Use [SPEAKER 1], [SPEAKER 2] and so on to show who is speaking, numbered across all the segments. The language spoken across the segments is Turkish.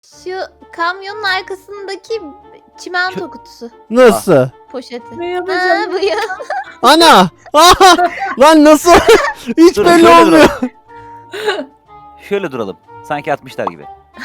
[SPEAKER 1] Şu kamyonun arkasındaki çimento kutusu.
[SPEAKER 2] Nasıl?
[SPEAKER 1] Poşeti.
[SPEAKER 3] Ne
[SPEAKER 1] Ha,
[SPEAKER 3] yapacağım?
[SPEAKER 1] bu ya.
[SPEAKER 2] Ana! Aha! Lan nasıl? Hiç
[SPEAKER 4] Dur,
[SPEAKER 2] belli
[SPEAKER 4] şöyle
[SPEAKER 2] olmuyor.
[SPEAKER 4] Şöyle duralım. Sanki atmışlar gibi.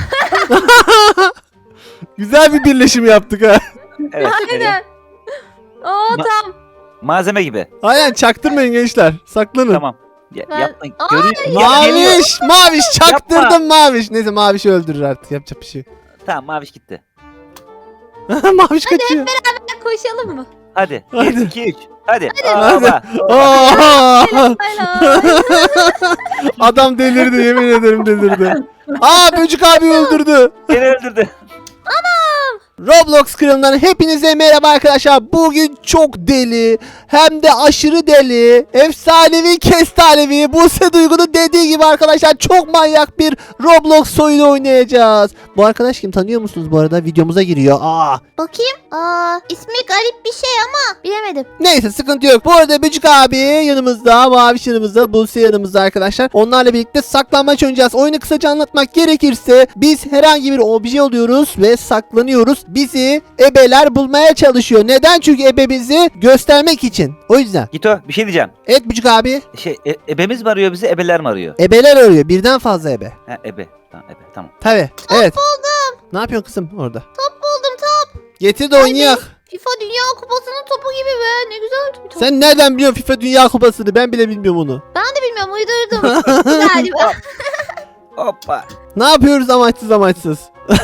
[SPEAKER 2] Güzel bir birleşim yaptık ha.
[SPEAKER 4] Evet. şöyle.
[SPEAKER 1] Aynen. Oo
[SPEAKER 4] Ma-
[SPEAKER 1] tam.
[SPEAKER 4] Malzeme gibi.
[SPEAKER 2] Aynen çaktırmayın gençler. Saklanın.
[SPEAKER 4] Tamam.
[SPEAKER 1] Ben-
[SPEAKER 4] Yapma.
[SPEAKER 1] Aa,
[SPEAKER 4] Geliyor.
[SPEAKER 2] Maviş! Maviş çaktırdım Maviş. Neyse Maviş öldürür artık. Yapacak bir şey.
[SPEAKER 4] Tamam maviş gitti.
[SPEAKER 2] Maviş kaçıyor.
[SPEAKER 1] Koşalım mı?
[SPEAKER 4] Hadi.
[SPEAKER 2] Hadi.
[SPEAKER 4] 1, 2, 3. Hadi.
[SPEAKER 2] Hadi.
[SPEAKER 4] Aa,
[SPEAKER 2] Aa!
[SPEAKER 1] Helal.
[SPEAKER 2] Adam delirdi, yemin ederim delirdi. Aa, Böcük abi öldürdü.
[SPEAKER 4] Beni öldürdü.
[SPEAKER 2] Roblox kralından hepinize merhaba arkadaşlar. Bugün çok deli, hem de aşırı deli, efsanevi kestanevi, Buse Duygu'nun dediği gibi arkadaşlar çok manyak bir Roblox oyunu oynayacağız. Bu arkadaş kim, tanıyor musunuz bu arada? Videomuza giriyor.
[SPEAKER 1] Bakayım. İsmi garip bir şey ama bilemedim.
[SPEAKER 2] Neyse, sıkıntı yok. Bu arada Böcük abi yanımızda, Maviş yanımızda, Buse yanımızda arkadaşlar. Onlarla birlikte saklanmaç oynayacağız. Oyunu kısaca anlatmak gerekirse biz herhangi bir obje oluyoruz ve saklanıyoruz. Bizi ebeler bulmaya çalışıyor. Neden? Çünkü ebe bizi göstermek için. O yüzden.
[SPEAKER 4] Gito bir şey diyeceğim.
[SPEAKER 2] Evet Böcük abi.
[SPEAKER 4] Ebemiz mi arıyor bizi, ebeler mi arıyor?
[SPEAKER 2] Ebeler arıyor. Birden fazla ebe.
[SPEAKER 4] Ha, ebe. Tamam, ebe. Tamam.
[SPEAKER 2] Tabii. Evet. Buldum. Ne yapıyorsun kızım orada?
[SPEAKER 1] Top buldum top.
[SPEAKER 2] Getir de oynayak.
[SPEAKER 1] FIFA Dünya Kupası'nın topu gibi be. Ne güzel bir top.
[SPEAKER 2] Sen nereden biliyorsun FIFA Dünya Kupası'nı? Ben bile bilmiyorum onu.
[SPEAKER 1] Ben de bilmiyorum, uydurdum. Galiba.
[SPEAKER 4] Hoppa.
[SPEAKER 2] Ne yapıyoruz amaçsız amaçsız?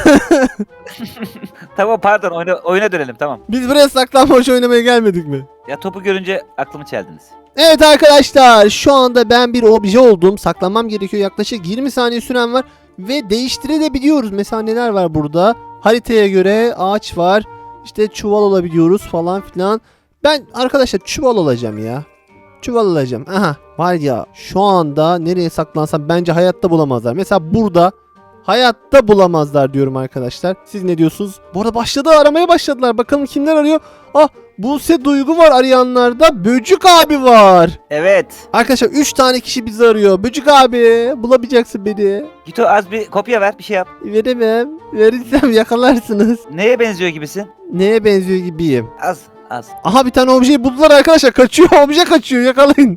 [SPEAKER 4] Tamam pardon, oyuna dönelim tamam.
[SPEAKER 2] Biz buraya saklanmaç oynamaya gelmedik mi?
[SPEAKER 4] Ya topu görünce aklımı çeldiniz.
[SPEAKER 2] Evet arkadaşlar, şu anda ben bir obje oldum. Saklanmam gerekiyor. Yaklaşık 20 saniye süren var. Ve değiştirebiliyoruz. Mesela neler var burada? Haritaya göre ağaç var. İşte çuval olabiliyoruz falan filan. Ben arkadaşlar çuval olacağım ya. Çuval olacağım. Aha, var ya, şu anda nereye saklansam bence hayatta bulamazlar. Mesela burada hayatta bulamazlar diyorum arkadaşlar. Siz ne diyorsunuz? Bu arada aramaya başladılar. Bakalım kimler arıyor? Ah, Buse Duygu var arayanlarda. Böcük abi var.
[SPEAKER 4] Evet.
[SPEAKER 2] Arkadaşlar 3 tane kişi bizi arıyor. Böcük abi, bulamayacaksın beni.
[SPEAKER 4] Gito az bir kopya ver, bir şey yap.
[SPEAKER 2] Veremem. Verirsem yakalarsınız.
[SPEAKER 4] Neye benziyor gibisin?
[SPEAKER 2] Neye benziyor gibiyim?
[SPEAKER 4] Az.
[SPEAKER 2] Aha, bir tane objeyi buldular arkadaşlar. Kaçıyor. Obje kaçıyor. Yakalayın.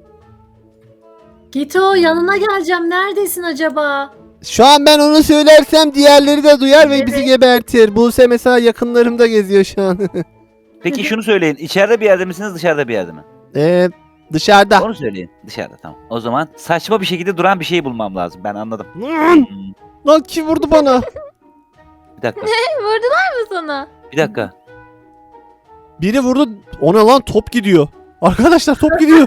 [SPEAKER 3] Gito yanına geleceğim. Neredesin acaba?
[SPEAKER 2] Şu an ben onu söylersem diğerleri de duyar ve bizi
[SPEAKER 3] Evet.
[SPEAKER 2] gebertir. Buse mesela yakınlarımda geziyor şu an.
[SPEAKER 4] Peki şunu söyleyin. İçeride bir yerde misiniz, dışarıda bir yerde mi?
[SPEAKER 2] Dışarıda.
[SPEAKER 4] Onu söyleyin. Dışarıda tamam. O zaman saçma bir şekilde duran bir şey bulmam lazım. Ben anladım.
[SPEAKER 2] Lan kim vurdu bana?
[SPEAKER 4] Bir dakika.
[SPEAKER 1] Vurdular mı sana?
[SPEAKER 4] Bir dakika.
[SPEAKER 2] Biri vurdu. Ona lan top gidiyor. Arkadaşlar top gidiyor.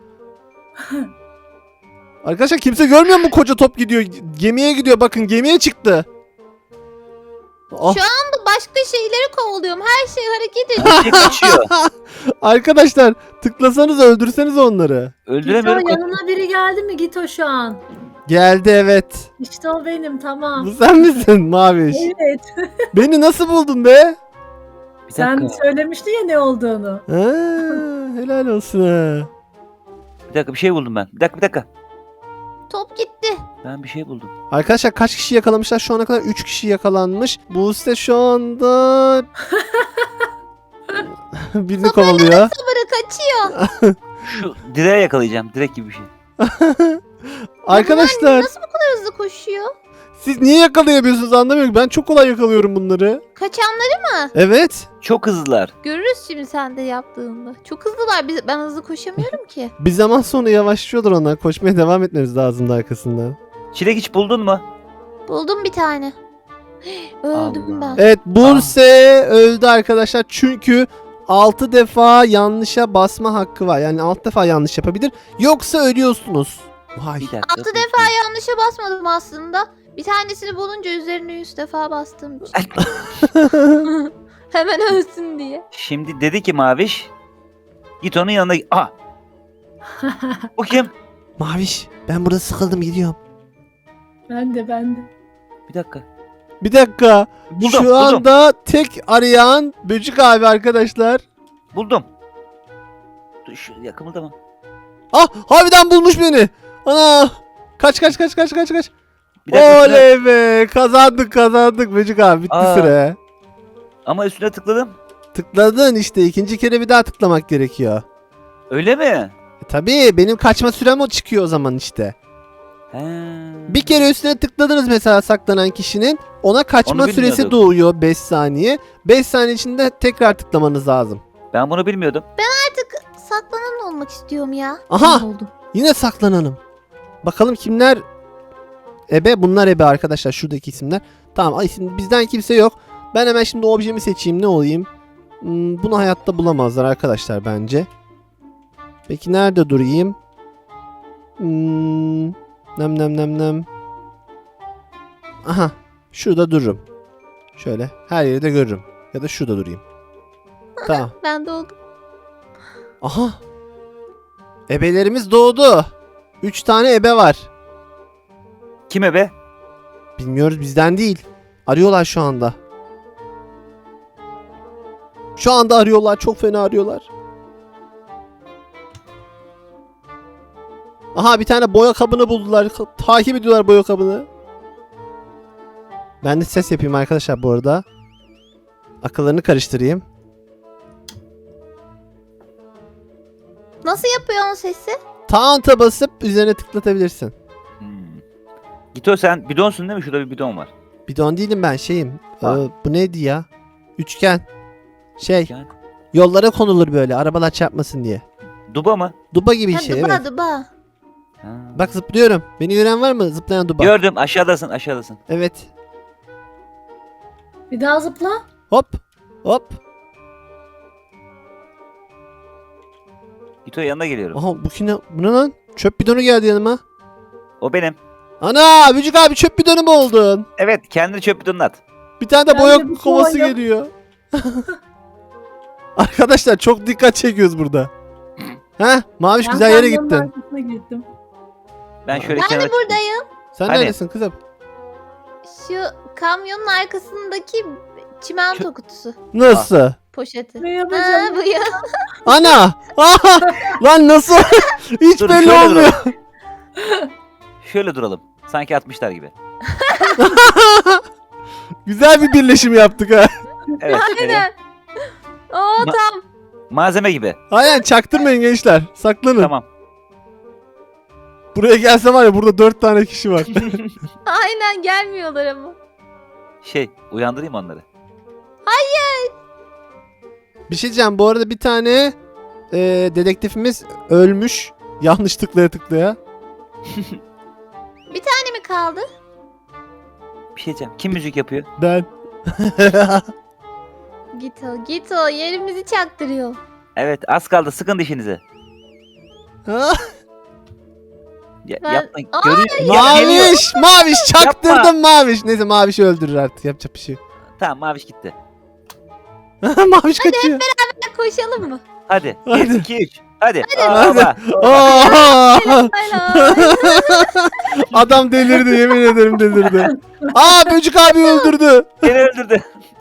[SPEAKER 2] Arkadaşlar kimse görmüyor mu koca top gidiyor? Gemiye gidiyor, bakın gemiye çıktı. Ah,
[SPEAKER 1] Şu anda başka şeyleri kovalıyorum. Her şey hareket ediyor.
[SPEAKER 4] Bir şey kaçıyor.
[SPEAKER 2] arkadaşlar tıklasanız öldürseniz onları.
[SPEAKER 3] Gito
[SPEAKER 4] Öldüremiyorum.
[SPEAKER 3] yanına biri geldi mi Gito şu an?
[SPEAKER 2] Geldi, evet.
[SPEAKER 3] İşte o benim, tamam.
[SPEAKER 2] Bu sen misin Maviş?
[SPEAKER 3] Evet.
[SPEAKER 2] Beni nasıl buldun be?
[SPEAKER 4] Bir
[SPEAKER 3] Sen
[SPEAKER 4] dakika.
[SPEAKER 3] söylemiştin ya ne olduğunu.
[SPEAKER 2] Ha, helal olsun ha.
[SPEAKER 4] Bir dakika bir şey buldum ben. Bir dakika.
[SPEAKER 1] Top gitti.
[SPEAKER 4] Ben bir şey buldum.
[SPEAKER 2] Arkadaşlar kaç kişi yakalamışlar? Şu ana kadar 3 kişi yakalanmış. Buse şu anda birini kovalıyor.
[SPEAKER 1] Sabırı kaçıyor.
[SPEAKER 4] Şu direğe yakalayacağım. Direk gibi bir şey.
[SPEAKER 2] Arkadaşlar
[SPEAKER 1] Nasıl bu kadar hızlı koşuyor?
[SPEAKER 2] siz niye yakalayamıyorsunuz anlamıyorum. Ben çok kolay yakalıyorum bunları.
[SPEAKER 1] Kaçanları
[SPEAKER 2] Evet.
[SPEAKER 4] Çok hızlılar.
[SPEAKER 1] görürüz şimdi sen de yaptığında. Çok hızlılar. Ben hızlı koşamıyorum ki.
[SPEAKER 2] Bir zaman sonra yavaşlıyorlar onlar. Koşmaya devam etmemiz lazım da arkasından.
[SPEAKER 4] Çilek hiç buldun mu?
[SPEAKER 1] Buldum bir tane. Öldüm
[SPEAKER 4] Allah.
[SPEAKER 1] ben.
[SPEAKER 2] Evet, Buse öldü arkadaşlar. Çünkü 6 defa yanlışa basma hakkı var. Yani 6 defa yanlış yapabilir. Yoksa ölüyorsunuz. Vay.
[SPEAKER 4] Bir dakika.
[SPEAKER 1] 6 defa yanlışa basmadım aslında. Bir tanesini bulunca üzerine 100 defa bastım. Hemen ölsün diye.
[SPEAKER 4] Şimdi dedi ki Maviş. Git onun yanına. Aha. Bu kim?
[SPEAKER 2] Maviş, ben burada sıkıldım, gidiyorum.
[SPEAKER 3] Ben de.
[SPEAKER 4] Bir dakika.
[SPEAKER 2] Bir dakika.
[SPEAKER 4] Buldum.
[SPEAKER 2] Şu anda tek arayan Böcük abi arkadaşlar.
[SPEAKER 4] Buldum. Dur şu yakımıldama.
[SPEAKER 2] Ah, harbiden bulmuş beni. Ana. Kaç.
[SPEAKER 4] Bir dakika,
[SPEAKER 2] Oley be, kazandık Böcük abi, bitti
[SPEAKER 4] Aa.
[SPEAKER 2] süre.
[SPEAKER 4] ama üstüne tıkladım.
[SPEAKER 2] Tıkladın işte, ikinci kere bir daha tıklamak gerekiyor.
[SPEAKER 4] Öyle mi?
[SPEAKER 2] Tabii benim kaçma sürem o çıkıyor o zaman işte.
[SPEAKER 4] He.
[SPEAKER 2] Bir kere üstüne tıkladınız mesela saklanan kişinin, ona kaçma
[SPEAKER 4] Onu
[SPEAKER 2] süresi
[SPEAKER 4] bilmiyorduk.
[SPEAKER 2] doğuyor 5 saniye. 5 saniye içinde tekrar tıklamanız lazım.
[SPEAKER 4] Ben bunu bilmiyordum.
[SPEAKER 1] Artık saklanan olmak istiyorum ya.
[SPEAKER 2] Aha!
[SPEAKER 3] Ne oldu?
[SPEAKER 2] Yine saklanalım. Bakalım kimler ebe? Bunlar ebe arkadaşlar, şuradaki isimler. Tamam, isim, bizden kimse yok. Ben hemen şimdi objemi seçeyim, ne olayım? Bunu hayatta bulamazlar arkadaşlar bence. Peki nerede durayım? Nem. Aha, şurada dururum. Şöyle her yeri de görürüm. Ya da şurada durayım. Tamam.
[SPEAKER 1] Ben de oldum.
[SPEAKER 2] Aha. Ebelerimiz doğdu. 3 tane ebe var.
[SPEAKER 4] Kime be?
[SPEAKER 2] Bilmiyoruz, bizden değil. Arıyorlar şu anda. Şu anda arıyorlar. Çok fena arıyorlar. Aha, bir tane boya kabını buldular. Takip ediyorlar boya kabını. Ben de ses yapayım arkadaşlar bu arada. Akıllarını karıştırayım.
[SPEAKER 1] Nasıl yapıyor onun sesi?
[SPEAKER 2] Taunt'a basıp üzerine tıklatabilirsin.
[SPEAKER 4] Hmm. Gito sen bidonsun değil mi? Şurada bir bidon var.
[SPEAKER 2] Bidon değilim ben, şeyim.
[SPEAKER 4] Ha.
[SPEAKER 2] Bu neydi ya? Üçgen. Şey.
[SPEAKER 4] Yani,
[SPEAKER 2] Yollara konulur böyle, arabalar çarpmasın diye.
[SPEAKER 4] duba mı?
[SPEAKER 2] Duba gibi bir
[SPEAKER 1] Ha,
[SPEAKER 2] şey,
[SPEAKER 1] duba
[SPEAKER 2] evet.
[SPEAKER 1] duba.
[SPEAKER 4] Ha.
[SPEAKER 2] Bak zıplıyorum. Beni gören var mı? Zıplayan duba.
[SPEAKER 4] Gördüm, aşağıdasın.
[SPEAKER 2] Evet.
[SPEAKER 3] Bir daha zıpla.
[SPEAKER 2] Hop. Hop.
[SPEAKER 4] Gito yanına geliyorum.
[SPEAKER 2] Aha, bu ne lan? Çöp bidonu geldi yanıma.
[SPEAKER 4] O benim.
[SPEAKER 2] Ana, Bücük abi çöp bidonu mu oldun?
[SPEAKER 4] Evet, kendini çöp bidonuna at.
[SPEAKER 2] Bir tane de
[SPEAKER 3] Ben
[SPEAKER 2] boya
[SPEAKER 3] de bir
[SPEAKER 2] kovası
[SPEAKER 3] boya-
[SPEAKER 2] geliyor. Arkadaşlar çok dikkat çekiyoruz burada. Heh, Maviş
[SPEAKER 3] Ben
[SPEAKER 2] güzel yere
[SPEAKER 3] kamyonun
[SPEAKER 2] gittin.
[SPEAKER 3] arkasına gittim.
[SPEAKER 4] Ben şöyle
[SPEAKER 1] Ben
[SPEAKER 4] kenara
[SPEAKER 1] de buradayım.
[SPEAKER 2] Sen
[SPEAKER 4] Hani?
[SPEAKER 2] neredesin kızım?
[SPEAKER 1] Şu kamyonun arkasındaki çimento kutusu.
[SPEAKER 2] Nasıl?
[SPEAKER 1] Poşeti.
[SPEAKER 3] Ne
[SPEAKER 1] Ha,
[SPEAKER 3] yapacağım?
[SPEAKER 1] bu ya.
[SPEAKER 2] Ana! Aha! Lan nasıl? Hiç
[SPEAKER 4] Dur,
[SPEAKER 2] belli
[SPEAKER 4] şöyle
[SPEAKER 2] olmuyor.
[SPEAKER 4] şöyle duralım. Sanki atmışlar gibi.
[SPEAKER 2] Güzel bir birleşim yaptık ha.
[SPEAKER 4] Evet. şöyle.
[SPEAKER 1] Aynen. Oo
[SPEAKER 4] Ma-
[SPEAKER 1] tam.
[SPEAKER 4] Malzeme gibi.
[SPEAKER 2] Aynen, çaktırmayın gençler. Saklanın.
[SPEAKER 4] Tamam.
[SPEAKER 2] Buraya gelse var ya, burada 4 tane kişi var.
[SPEAKER 1] Aynen gelmiyorlar ama.
[SPEAKER 4] Uyandırayım onları.
[SPEAKER 2] Bir şey diyeceğim, bu arada bir tane dedektifimiz ölmüş. Yanlış tıklaya.
[SPEAKER 1] Ne mi kaldı?
[SPEAKER 4] Bir şey diyeceğim. Kim müzik yapıyor?
[SPEAKER 2] Ben.
[SPEAKER 1] Git o yerimizi çaktırıyor.
[SPEAKER 4] Evet, az kaldı. Sıkın dişinizi.
[SPEAKER 2] Ha?
[SPEAKER 1] Ben-
[SPEAKER 4] Yapmayın.
[SPEAKER 1] Aa,
[SPEAKER 4] Görüyor. Geliyor.
[SPEAKER 2] Maviş çaktırdım Maviş. Neyse, Maviş'i öldürür artık, yapacak bir şey yok.
[SPEAKER 4] Tamam, Maviş gitti.
[SPEAKER 2] Maviş kaçıyor.
[SPEAKER 1] Koşalım mı?
[SPEAKER 4] Hadi.
[SPEAKER 2] Hadi.
[SPEAKER 4] 1, 2, 3. Hadi.
[SPEAKER 2] Hadi.
[SPEAKER 4] Aa,
[SPEAKER 2] Aa!
[SPEAKER 1] Hala.
[SPEAKER 2] Adam delirdi, yemin ederim delirdi. Aa, Böcük abi öldürdü.
[SPEAKER 4] Beni öldürdü.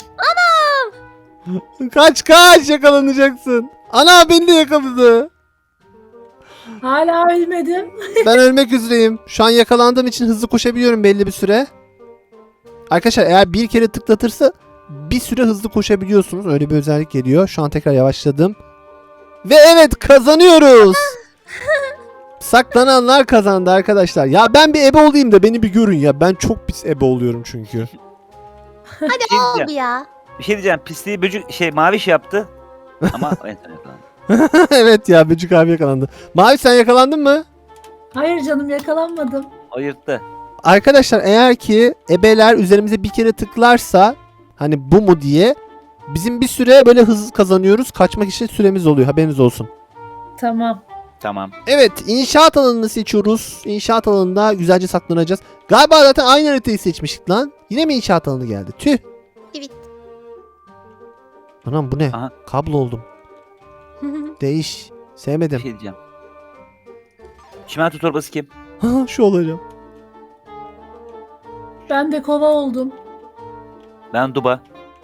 [SPEAKER 2] Kaç yakalanacaksın. Ana, beni de yakaladı.
[SPEAKER 3] Hala ölmedim.
[SPEAKER 2] Ben ölmek üzereyim. Şu an yakalandığım için hızlı koşabiliyorum belli bir süre. Arkadaşlar eğer bir kere tıklatırsa bir süre hızlı koşabiliyorsunuz. Öyle bir özellik geliyor. Şu an tekrar yavaşladım. Ve evet, kazanıyoruz. Saklananlar kazandı arkadaşlar. Ya ben bir ebe olayım da beni bir görün ya. Ben çok pis ebe oluyorum çünkü.
[SPEAKER 1] Hadi
[SPEAKER 4] Bir şey
[SPEAKER 1] oldu
[SPEAKER 4] diyeceğim.
[SPEAKER 1] ya.
[SPEAKER 4] Bir şey diyeceğim. Pisliği Maviş yaptı. Ama en son yakalandı.
[SPEAKER 2] Evet ya, Böcük abi yakalandı. Mavi, sen yakalandın mı?
[SPEAKER 3] Hayır canım, yakalanmadım.
[SPEAKER 4] O yırttı.
[SPEAKER 2] Arkadaşlar eğer ki ebeler üzerimize bir kere tıklarsa, hani bu mu diye, bizim bir süre böyle hız kazanıyoruz. Kaçmak için süremiz oluyor, haberiniz olsun.
[SPEAKER 3] Tamam.
[SPEAKER 4] Tamam.
[SPEAKER 2] Evet, inşaat alanını seçiyoruz. İnşaat alanında güzelce saklanacağız. Galiba zaten aynı haritayı seçmiştik lan. Yine mi inşaat alanı geldi? Tüh.
[SPEAKER 1] Evet.
[SPEAKER 2] Anam bu ne?
[SPEAKER 4] Aha.
[SPEAKER 2] Kablo oldum. Değiş.
[SPEAKER 4] Bir
[SPEAKER 2] Sevmedim.
[SPEAKER 4] şey diyeceğim. Çimento torbası kim?
[SPEAKER 2] Ha, şu olacağım.
[SPEAKER 3] Ben de kova oldum.
[SPEAKER 4] Ben Duba.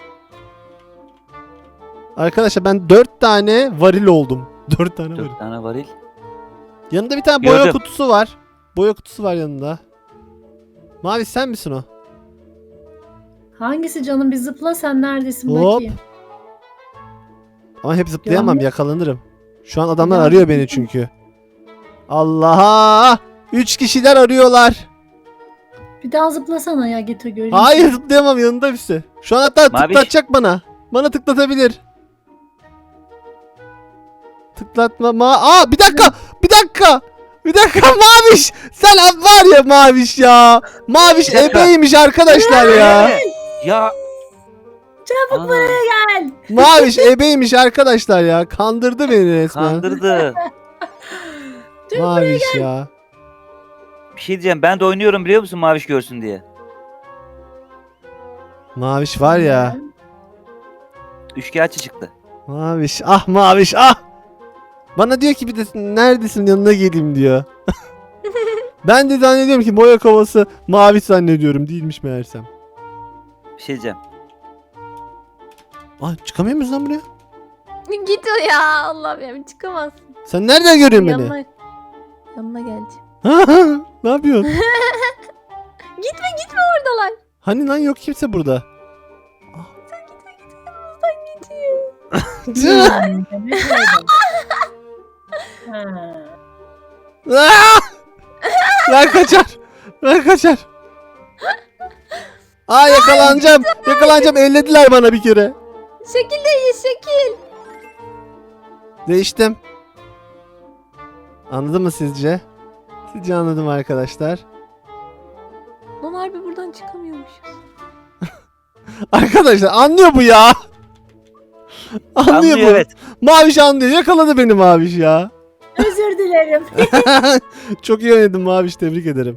[SPEAKER 2] Arkadaşlar ben 4 tane varil oldum. 4 tane varil.
[SPEAKER 4] 4 tane varil.
[SPEAKER 2] Yanında bir tane boya
[SPEAKER 4] Gördüm.
[SPEAKER 2] kutusu var. Boya kutusu var yanında. Maviş sen misin o?
[SPEAKER 3] Hangisi canım, bir zıpla, sen neredesin
[SPEAKER 2] Hop.
[SPEAKER 3] bakayım.
[SPEAKER 2] Ama hep zıplayamam,
[SPEAKER 3] Yanlış.
[SPEAKER 2] yakalanırım. Şu an adamlar
[SPEAKER 3] Yanlış.
[SPEAKER 2] arıyor beni çünkü. Allah'a! 3 kişiler arıyorlar.
[SPEAKER 3] Bir daha zıplasana ya, Gito göreyim.
[SPEAKER 2] Hayır zıplayamam, yanında birisi. Şu an hatta
[SPEAKER 4] Maviş.
[SPEAKER 2] tıklatacak bana. Bana tıklatabilir. Tıklatma Aa bir dakika. Bir dakika. Bir dakika Maviş. Sen var ya Maviş ya. Maviş
[SPEAKER 4] Bir dakika.
[SPEAKER 2] ebeymiş arkadaşlar ya.
[SPEAKER 4] Ya.
[SPEAKER 3] Çabuk
[SPEAKER 4] Ana,
[SPEAKER 3] buraya gel.
[SPEAKER 2] Maviş ebeymiş arkadaşlar ya. Kandırdı beni resmen.
[SPEAKER 4] kandırdı.
[SPEAKER 2] Maviş ya.
[SPEAKER 4] Bir şey diyeceğim. Ben de oynuyorum biliyor musun Maviş görsün diye.
[SPEAKER 2] Maviş var ya.
[SPEAKER 4] Üçkağıtçı çıktı.
[SPEAKER 2] Maviş ah Maviş ah. Bana diyor ki bir de neredesin yanına geleyim diyor. Ben de zannediyorum ki boya kovası Maviş zannediyorum, değilmiş meğersem.
[SPEAKER 4] Bir şey diyeceğim.
[SPEAKER 2] Aa çıkamıyor muyuz lan buraya?
[SPEAKER 1] Git o ya. Allah'ım ya, çıkamazsın.
[SPEAKER 2] Sen nereden görüyorsun beni?
[SPEAKER 1] Yanına geleceğim.
[SPEAKER 2] Ne yapıyorsun?
[SPEAKER 1] Gitme oradalar.
[SPEAKER 2] Hani lan yok kimse burada.
[SPEAKER 3] Hmm, demek öyle. Ha.
[SPEAKER 2] Aa! Ben kaçar. Ben kaçar. Aa yakalanacağım. Yakalanacağım. Ellediler bana bir kere.
[SPEAKER 1] Şekil değiş, şekil.
[SPEAKER 2] Değiştim. Anladın mı sizce? Sizce anladım arkadaşlar.
[SPEAKER 1] Lan harbi buradan çıkamıyormuşuz.
[SPEAKER 2] Arkadaşlar anlıyor bu ya. Anlıyor
[SPEAKER 4] Anlıyor
[SPEAKER 2] bu.
[SPEAKER 4] evet.
[SPEAKER 2] Maviş anlıyor. Yakaladı beni Maviş ya.
[SPEAKER 3] Özür dilerim.
[SPEAKER 2] Çok iyi oynadın Maviş. Tebrik ederim.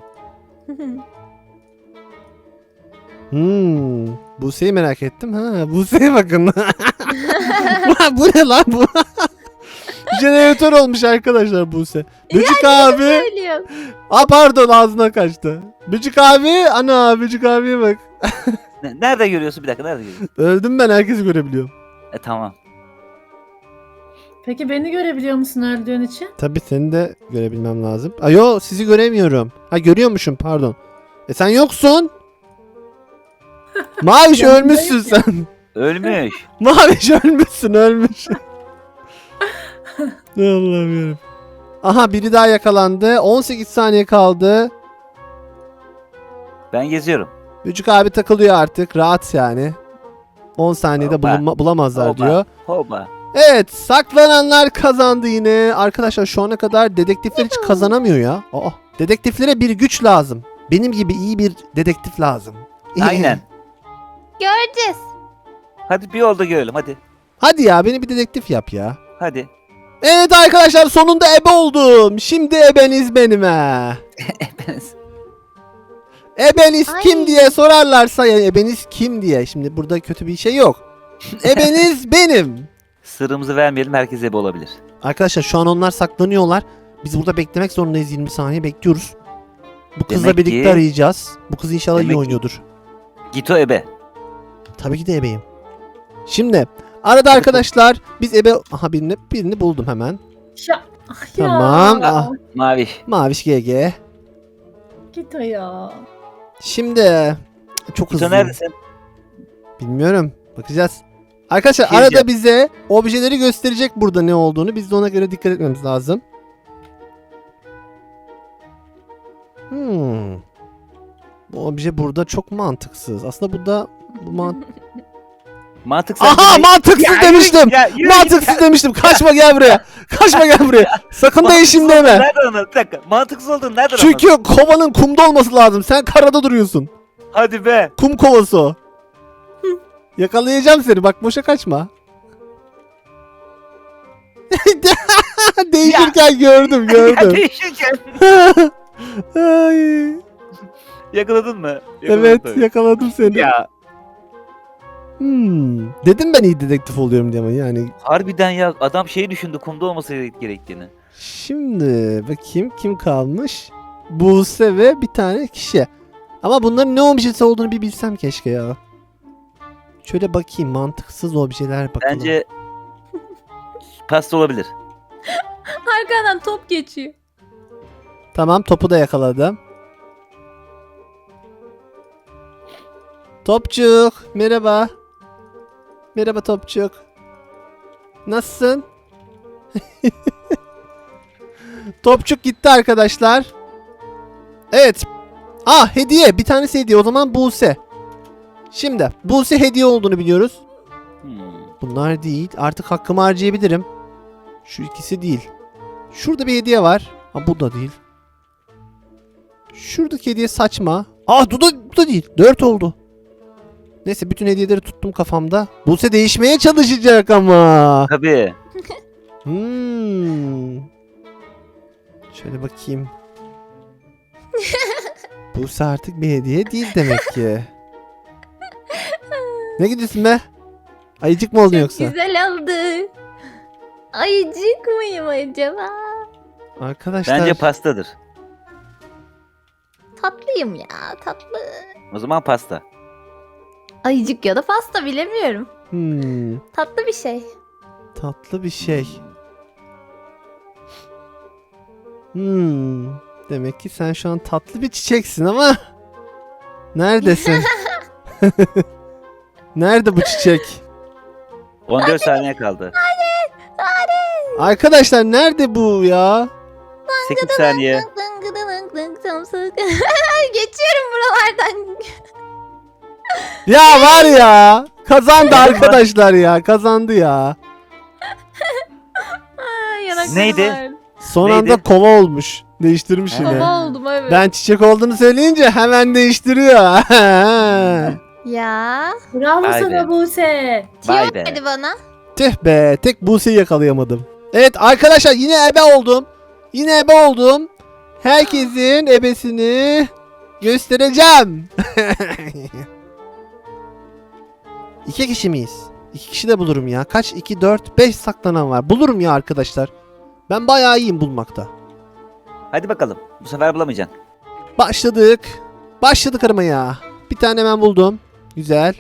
[SPEAKER 2] Buse'yi merak ettim. Ha, Buse'ye bakın. Bu ne lan bu? Jeneratör olmuş arkadaşlar Buse. Böcük abi.
[SPEAKER 1] Söylüyorum.
[SPEAKER 2] Aa pardon ağzına kaçtı. Böcük abi. Ana Böcük abiye bak.
[SPEAKER 4] Nerede görüyorsun? Bir dakika nerede görüyorsun?
[SPEAKER 2] Öldüm ben, herkesi görebiliyorum.
[SPEAKER 4] Tamam.
[SPEAKER 3] Peki beni görebiliyor musun öldüğün için?
[SPEAKER 2] Tabii seni de görebilmem lazım. Ayo sizi göremiyorum. Ha görüyormuşum pardon. Sen yoksun. Maviş
[SPEAKER 3] Yanındayım
[SPEAKER 2] ölmüşsün sen.
[SPEAKER 4] Ölmüş.
[SPEAKER 2] Maviş ölmüşsün ölmüş. Ne Allah'ım yarabbim. Aha biri daha yakalandı. 18 saniye kaldı.
[SPEAKER 4] Ben geziyorum.
[SPEAKER 2] Böcük abi takılıyor artık. Rahat yani. 10 saniyede
[SPEAKER 4] Hoppa.
[SPEAKER 2] bulamazlar
[SPEAKER 4] Hoppa.
[SPEAKER 2] diyor.
[SPEAKER 4] Hoppa.
[SPEAKER 2] Evet saklananlar kazandı yine. Arkadaşlar şu ana kadar dedektifler hiç kazanamıyor ya. Aa, dedektiflere bir güç lazım. Benim gibi iyi bir dedektif lazım.
[SPEAKER 4] Aynen.
[SPEAKER 1] Göreceğiz.
[SPEAKER 4] Hadi bir yolda görelim hadi.
[SPEAKER 2] Hadi ya beni bir dedektif yap ya.
[SPEAKER 4] Hadi.
[SPEAKER 2] Evet arkadaşlar sonunda ebe oldum. Şimdi ebeniz benim he. Ebeniz
[SPEAKER 1] Ay.
[SPEAKER 2] kim diye sorarlarsa ya ebeniz kim diye. Şimdi burada kötü bir şey yok. Ebeniz benim.
[SPEAKER 4] Sırrımızı vermeyelim, herkes ebe olabilir.
[SPEAKER 2] Arkadaşlar şu an onlar saklanıyorlar. Biz burada beklemek zorundayız, 20 saniye bekliyoruz. Bu kızla
[SPEAKER 4] Demek
[SPEAKER 2] birlikte
[SPEAKER 4] ki-
[SPEAKER 2] arayacağız. Bu kız inşallah
[SPEAKER 4] Demek
[SPEAKER 2] iyi
[SPEAKER 4] ki-
[SPEAKER 2] oynuyordur.
[SPEAKER 4] Gito ebe.
[SPEAKER 2] Tabii ki de ebeyim. Şimdi arada arkadaşlar biz ebe... Aha birini buldum hemen.
[SPEAKER 3] Ya.
[SPEAKER 2] Tamam.
[SPEAKER 3] Ya.
[SPEAKER 2] Ah,
[SPEAKER 4] Maviş.
[SPEAKER 2] Maviş GG.
[SPEAKER 3] Git o ya.
[SPEAKER 2] Şimdi çok
[SPEAKER 4] Gito
[SPEAKER 2] hızlıyım.
[SPEAKER 4] neredesin?
[SPEAKER 2] Bilmiyorum. Bakacağız. Arkadaşlar
[SPEAKER 4] Şey
[SPEAKER 2] arada
[SPEAKER 4] diyeceğim.
[SPEAKER 2] bize objeleri gösterecek burada ne olduğunu. Biz de ona göre dikkat etmemiz lazım. Bu obje burada çok mantıksız. Aslında burada bu
[SPEAKER 4] Mantıksız.
[SPEAKER 2] Aha mantıksız
[SPEAKER 4] Ya,
[SPEAKER 2] demiştim.
[SPEAKER 4] ya, yürü
[SPEAKER 2] Mantıksız
[SPEAKER 4] git.
[SPEAKER 2] demiştim. Kaçma gel buraya. Kaçma gel buraya. Sakın değişim
[SPEAKER 4] Mantıksız olduğunu
[SPEAKER 2] deme.
[SPEAKER 4] nereden anladın? Bir dakika. Mantıksız olduğunu nereden
[SPEAKER 2] Çünkü
[SPEAKER 4] anladın?
[SPEAKER 2] kovanın kumda olması lazım. Sen karada duruyorsun.
[SPEAKER 4] Hadi be.
[SPEAKER 2] Kum kovası o. Yakalayacağım seni. Bak boşa kaçma. Değişirken gördüm
[SPEAKER 4] Ya
[SPEAKER 2] gördüm.
[SPEAKER 4] değişirken.
[SPEAKER 2] Ay.
[SPEAKER 4] Yakaladın mı?
[SPEAKER 2] Evet
[SPEAKER 4] Yakaladın.
[SPEAKER 2] yakaladım seni.
[SPEAKER 4] Ya
[SPEAKER 2] Dedim ben iyi dedektif oluyorum diye ama yani.
[SPEAKER 4] harbiden ya adam şey düşündü, kumda olması gerektiğini.
[SPEAKER 2] Şimdi bakayım kim kalmış? Buse ve bir tane kişi. Ama bunların ne objesi olduğunu bir bilsem keşke ya. Şöyle bakayım mantıksız objeler bakalım.
[SPEAKER 4] Bence pasta olabilir.
[SPEAKER 1] Arkadan top geçiyor.
[SPEAKER 2] Tamam topu da yakaladım. Topçuk merhaba. Merhaba Topçuk. Nasılsın? Topçuk gitti arkadaşlar. Evet. Hediye. Bir tanesi hediye. O zaman Buse. Şimdi Buse hediye olduğunu biliyoruz.
[SPEAKER 4] Hmm.
[SPEAKER 2] Bunlar değil. Artık hakkımı harcayabilirim. Şu ikisi değil. Şurada bir hediye var. Bu da değil. Şuradaki hediye saçma. Bu da değil. 4 oldu. Neyse bütün hediyeleri tuttum kafamda. Buse değişmeye çalışacak ama.
[SPEAKER 4] Tabii.
[SPEAKER 2] Şöyle bakayım. Buse artık bir hediye değil demek ki. Ne gidiyorsun be? Ayıcık mı oldun
[SPEAKER 1] Çok
[SPEAKER 2] yoksa?
[SPEAKER 1] güzel oldu. Ayıcık mıyım acaba?
[SPEAKER 2] Arkadaşlar.
[SPEAKER 4] Bence pastadır.
[SPEAKER 1] Tatlıyım ya, tatlı.
[SPEAKER 4] O zaman pasta.
[SPEAKER 1] Ayıcık ya da pasta bilemiyorum. Tatlı bir şey.
[SPEAKER 2] Tatlı bir şey. Demek ki sen şu an tatlı bir çiçeksin ama neredesin? Nerede bu çiçek?
[SPEAKER 4] 14 saniye kaldı.
[SPEAKER 2] Arkadaşlar nerede bu ya?
[SPEAKER 4] 8 saniye.
[SPEAKER 1] Geçiyorum buralardan.
[SPEAKER 2] Ya var ya. Kazandı arkadaşlar ya. Kazandı ya.
[SPEAKER 1] Yanaklarım
[SPEAKER 4] Neydi?
[SPEAKER 1] var.
[SPEAKER 2] Son
[SPEAKER 4] Neydi?
[SPEAKER 2] anda kova olmuş. Değiştirmiş yine.
[SPEAKER 1] Baba oldum evet.
[SPEAKER 2] Ben çiçek olduğunu söyleyince hemen değiştiriyor.
[SPEAKER 1] Ya.
[SPEAKER 3] Bravo
[SPEAKER 4] Vay
[SPEAKER 3] sana
[SPEAKER 4] be.
[SPEAKER 3] Buse.
[SPEAKER 4] Vay
[SPEAKER 1] Tüyo
[SPEAKER 4] be.
[SPEAKER 1] verdi bana.
[SPEAKER 2] Tüh be. Tek Buse'yi yakalayamadım. Evet arkadaşlar yine ebe oldum. Yine ebe oldum. Herkesin ebesini göstereceğim. 2 kişi miyiz? 2 kişi de bulurum ya. Kaç? 2, 4, 5 saklanan var. Bulurum ya arkadaşlar. Ben bayağı iyiyim bulmakta.
[SPEAKER 4] Hadi bakalım. Bu sefer bulamayacaksın.
[SPEAKER 2] Başladık. Başladık aramaya. Bir tane ben buldum. Güzel.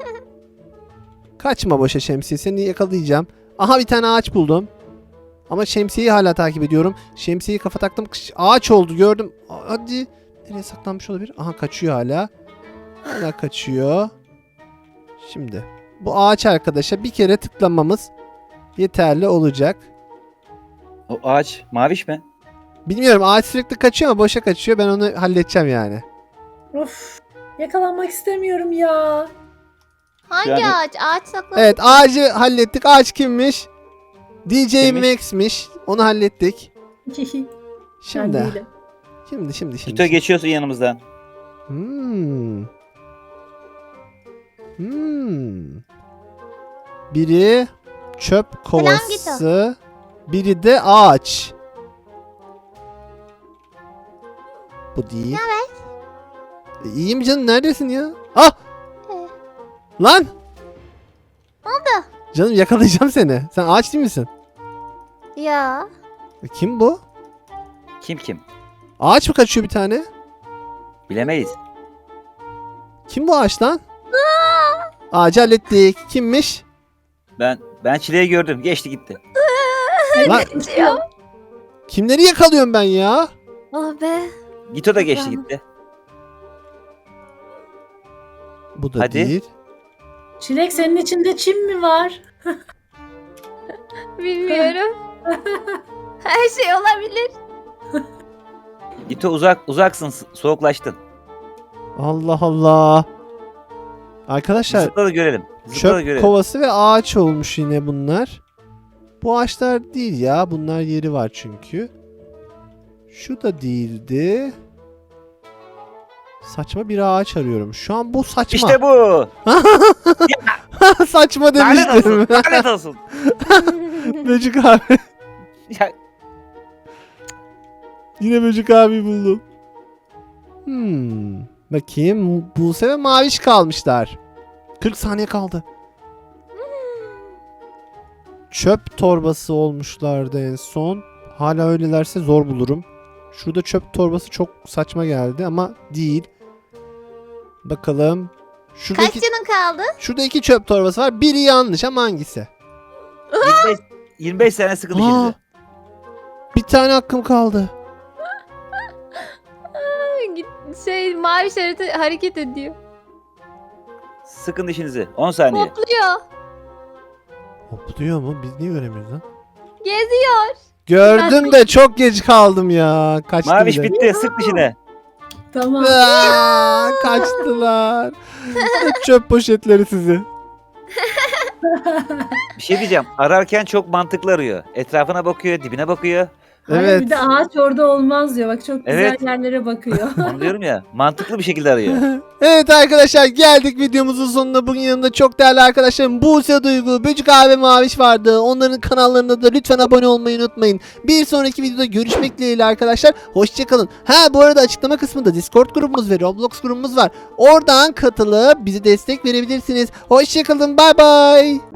[SPEAKER 2] Kaçma boşa şemsiye. Seni yakalayacağım. Aha bir tane ağaç buldum. Ama şemsiyeyi hala takip ediyorum. Şemsiyeyi kafa taktım. Ağaç oldu gördüm. Hadi. Nereye saklanmış olabilir? Aha kaçıyor hala. Hala kaçıyor. Şimdi. Bu ağaç arkadaşa bir kere tıklamamız yeterli olacak.
[SPEAKER 4] O ağaç maviş mi?
[SPEAKER 2] Bilmiyorum ağaç sürekli kaçıyor ama boşa kaçıyor. Ben onu halledeceğim yani.
[SPEAKER 3] Of. Yakalanmak istemiyorum ya.
[SPEAKER 1] Hangi
[SPEAKER 4] Yani-
[SPEAKER 1] ağaç? Ağaç saklamak.
[SPEAKER 2] Evet ağacı hallettik. Ağaç kimmiş? DJ
[SPEAKER 4] Kimmiş?
[SPEAKER 2] Max'miş. Onu hallettik.
[SPEAKER 3] Ben
[SPEAKER 2] Şimdi.
[SPEAKER 3] değilim.
[SPEAKER 2] Şimdi.
[SPEAKER 4] Gito geçiyorsun yanımızdan.
[SPEAKER 2] Biri çöp
[SPEAKER 1] Selam
[SPEAKER 2] kovası. Biri de ağaç. Bu değil. İyiyim canım neredesin ya? Lan!
[SPEAKER 1] Ne oldu?
[SPEAKER 2] Canım yakalayacağım seni. Sen ağaç değil misin?
[SPEAKER 1] Ya.
[SPEAKER 2] Kim bu?
[SPEAKER 4] Kim?
[SPEAKER 2] Ağaç mı kaçıyor bir tane?
[SPEAKER 4] Bilemeyiz.
[SPEAKER 2] Kim bu ağaç lan? Ağacı hallettik. Kimmiş?
[SPEAKER 4] Ben çileyi gördüm. Geçti gitti.
[SPEAKER 2] Lan
[SPEAKER 1] Geçiyor.
[SPEAKER 2] kimleri yakalıyorum ben ya?
[SPEAKER 1] Oh be.
[SPEAKER 4] Gito da geçti gitti.
[SPEAKER 2] Bu da
[SPEAKER 4] Hadi.
[SPEAKER 2] değil.
[SPEAKER 3] Çilek senin içinde çim mi var?
[SPEAKER 1] Bilmiyorum. Her şey olabilir.
[SPEAKER 4] Gito uzaksın. Soğuklaştın.
[SPEAKER 2] Allah Allah. Arkadaşlar
[SPEAKER 4] Zıpla da görelim. Zıpla da
[SPEAKER 2] çöp
[SPEAKER 4] görelim.
[SPEAKER 2] kovası ve ağaç olmuş yine bunlar. Bu ağaçlar değil ya. Bunlar yeri var çünkü. Şu da değildi. Saçma bir ağaç arıyorum. Şu an bu saçma.
[SPEAKER 4] İşte bu.
[SPEAKER 2] Saçma
[SPEAKER 4] Lanet olsun.
[SPEAKER 2] demiştim.
[SPEAKER 4] Lanet olsun.
[SPEAKER 2] Böcük abi.
[SPEAKER 4] Ya,
[SPEAKER 2] Yine Böcük abi buldum. Bakayım. Buse ve Maviş kalmışlar. 40 saniye kaldı. Çöp torbası olmuşlardı en son. Hala öylelerse zor bulurum. Şurada çöp torbası çok saçma geldi ama değil. Bakalım.
[SPEAKER 1] Kaç canın kaldı?
[SPEAKER 2] Şurada 2 çöp torbası var. Biri yanlış ama hangisi?
[SPEAKER 4] 25 sene sıkıldı
[SPEAKER 2] Aa,
[SPEAKER 4] şimdi.
[SPEAKER 2] bir tane hakkım kaldı.
[SPEAKER 1] Mavi şeridi hareket ediyor.
[SPEAKER 4] Sıkın dişinizi. 10 saniye.
[SPEAKER 1] Hopluyor.
[SPEAKER 2] Hopluyor mu? Biz niye göremiyoruz lan?
[SPEAKER 1] Geziyor.
[SPEAKER 2] Gördüm de çok geç kaldım ya. Kaçtı
[SPEAKER 4] Maviş
[SPEAKER 2] bile.
[SPEAKER 4] bitti. Sık dişine.
[SPEAKER 3] Tamam.
[SPEAKER 2] Aa, kaçtılar. Çöp poşetleri sizi.
[SPEAKER 4] Bir şey diyeceğim. Ararken çok mantıklı arıyor. Etrafına bakıyor, dibine bakıyor.
[SPEAKER 3] Hayır,
[SPEAKER 2] Evet.
[SPEAKER 3] bir de ağaç orada olmaz diyor. Bak çok güzel
[SPEAKER 4] Evet.
[SPEAKER 3] yerlere bakıyor.
[SPEAKER 4] Onu diyorum ya. Mantıklı bir şekilde arıyor.
[SPEAKER 2] Evet arkadaşlar, geldik videomuzun sonuna. Bugün yanımda çok değerli arkadaşlarım Buse Duygu, Böcük abi ve Maviş vardı. Onların kanallarına da lütfen abone olmayı unutmayın. Bir sonraki videoda görüşmek dileğiyle arkadaşlar. Hoşçakalın. Ha, bu arada açıklama kısmında Discord grubumuz ve Roblox grubumuz var. Oradan katılıp bize destek verebilirsiniz. Hoşçakalın. Bay bay.